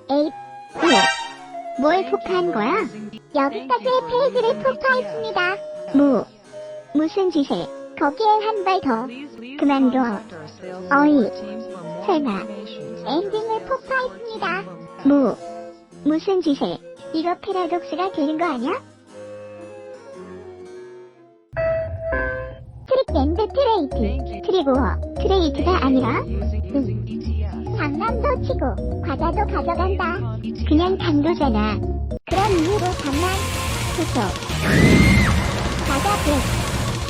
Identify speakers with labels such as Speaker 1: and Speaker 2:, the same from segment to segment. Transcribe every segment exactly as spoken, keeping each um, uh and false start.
Speaker 1: 에잇, 오. 뭘 폭파한 거야? 여기까지의 페이지를 폭파했습니다. 뭐, 무슨 짓을? 거기에 한 발 더. 그만둬. 어이, 설마, 엔딩을 폭파했습니다. 뭐, 무슨 짓을? 이거 패러독스가 되는 거 아니야? 트릭 앤드 트레이트. 트리고어, 트레이트가 아니라? 응. 장난도 치고, 과자도 가져간다. 그냥 당도잖아. 그런 이유로 장난, 좋소. 과자 백.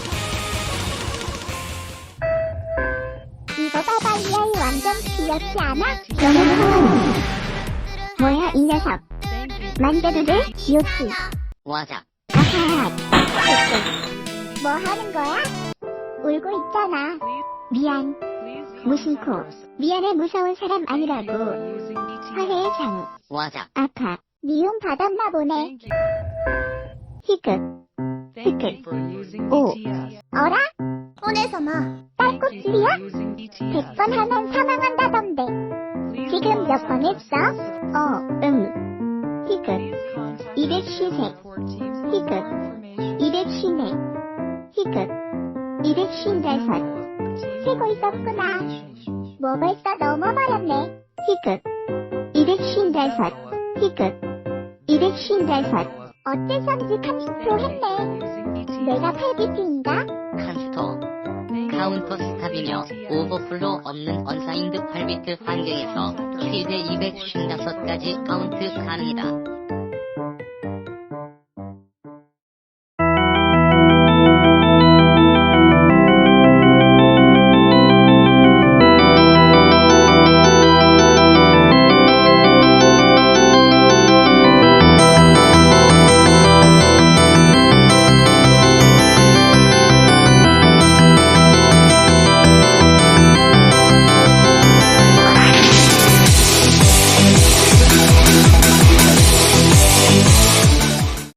Speaker 1: 이거 봐봐, 이 아이 완전 귀엽지 않아? 너무 좋아. 뭐야, 이 녀석. 만져도 돼? 요치.
Speaker 2: 와자.
Speaker 1: 아하, 됐어. 뭐 하는 거야? 울고 있잖아. 미안. 무슨 코. 미안해, 무서운 사람 아니라고. 화해의 장.
Speaker 2: 와자.
Speaker 1: 아파. 미움 받았나 보네. 히끗. 히끗. 오. 어라? 손에서 나. 딸꾹질이야? 백 번 하면 사망한다던데. 지금 몇 번 했어? 어, 응. 히끗. 이백십삼. 히끗. 이백십사. 히끗. 이백십오. 세고 있었구나. 뭐 벌써 넘어버렸네. 히끗. 이백십오. 히끗. 이백십오. 어째선지 칸스토 했네. 내가 팔비트인가?
Speaker 2: 칸스토. 카운터 스탑이며 오버플로 없는 언사인드 팔 비트 환경에서 최대 이백오십오 가지 카운트 가능이다.